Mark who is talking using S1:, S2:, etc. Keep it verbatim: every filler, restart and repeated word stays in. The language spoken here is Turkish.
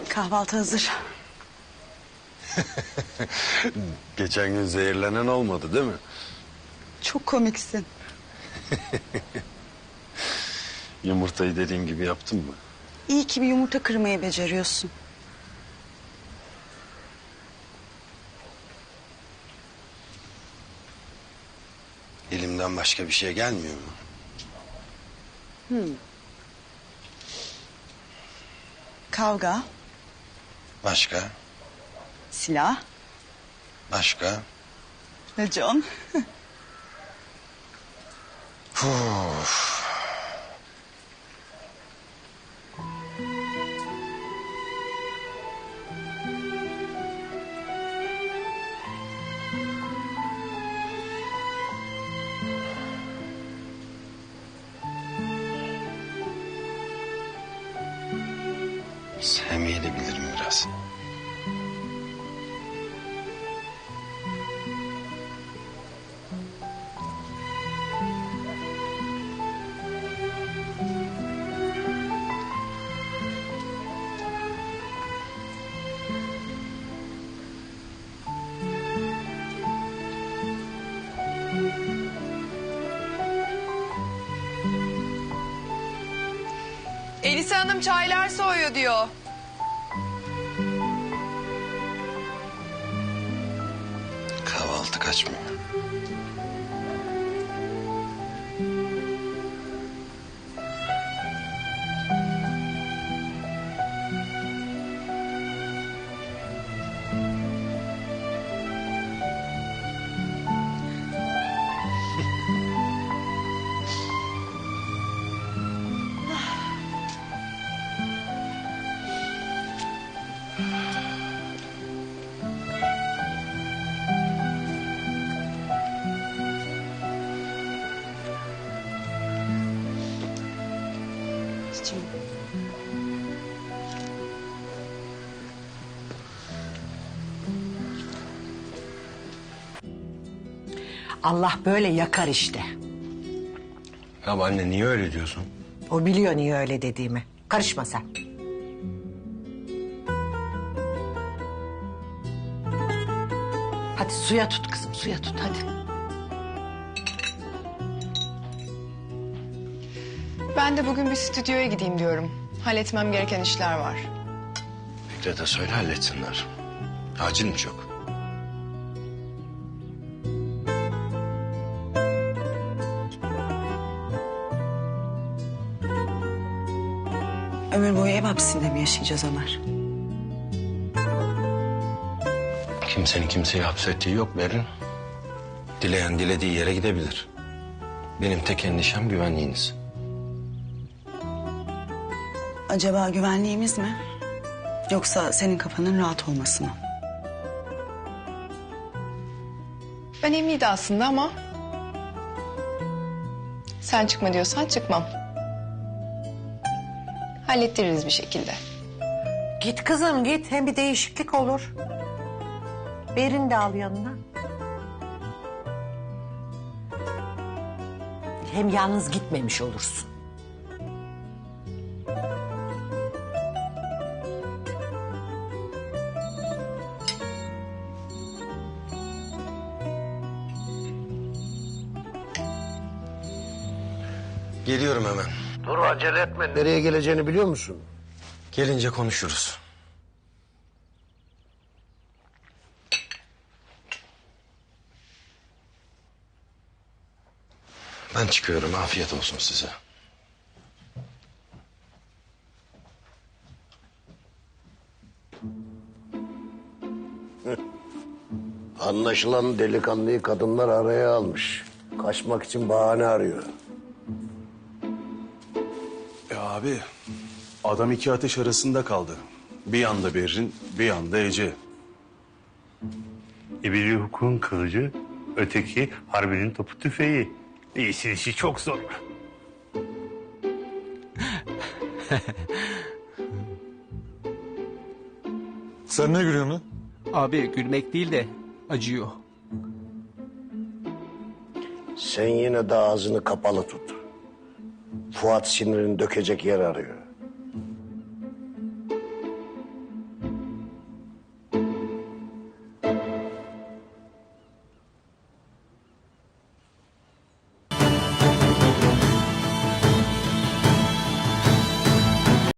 S1: Kahvaltı hazır.
S2: Geçen gün zehirlenen olmadı değil mi?
S1: Çok komiksin.
S2: Yumurtayı dediğim gibi yaptın mı?
S1: İyi ki bir yumurta kırmayı beceriyorsun.
S2: Elimden başka bir şey gelmiyor mu?
S1: Hmm. Kavga,
S2: Başka?
S1: silah,
S2: Başka?
S1: racon.
S2: Uf. Sevmeyi de bilirim biraz.
S3: Elisa Hanım çaylar soğuyor diyor.
S2: Kahvaltı kaçmıyor.
S1: Çiçeğim.
S4: Allah böyle yakar işte.
S2: Ya anne niye öyle diyorsun?
S4: O biliyor niye öyle dediğimi. Karışma sen. Hadi suya tut kızım, suya tut hadi.
S3: Ben de bugün bir stüdyoya gideyim diyorum. Halletmem gereken işler var.
S2: Fikret'e söyle halletsinler. Acil mi çok?
S1: Ömür boyu ev hapsinde mi yaşayacağız Ömer?
S2: Kimsenin kimseyi hapsettiği yok Berin. Dileyen dilediği yere gidebilir. Benim tek endişem güvenliğiniz.
S1: Acaba güvenliğimiz mi? Yoksa senin kafanın rahat olması mı?
S3: Ben iyiydi aslında ama... sen çıkma diyorsan çıkmam. Hallettiririz bir şekilde.
S4: Git kızım git, hem bir değişiklik olur. Berin de al yanına. Hem yalnız gitmemiş olursun.
S2: Geliyorum hemen.
S5: Dur acele etme. Nereye geleceğini biliyor musun?
S2: Gelince konuşuruz. Ben çıkıyorum. Afiyet olsun size.
S5: Anlaşılan delikanlıyı kadınlar araya almış. Kaçmak için bahane arıyor.
S6: Ya abi, adam iki ateş arasında kaldı. Bir yanda Berrin, bir yanda Ece.
S7: E biri hukukun kılıcı, öteki harbinin topu tüfeği. İyisi işi çok zor.
S8: Sen ne gülüyorsun lan?
S9: Abi gülmek değil de acıyor.
S5: Sen yine de ağzını kapalı tut. Fuat sinirini dökecek yer arıyor.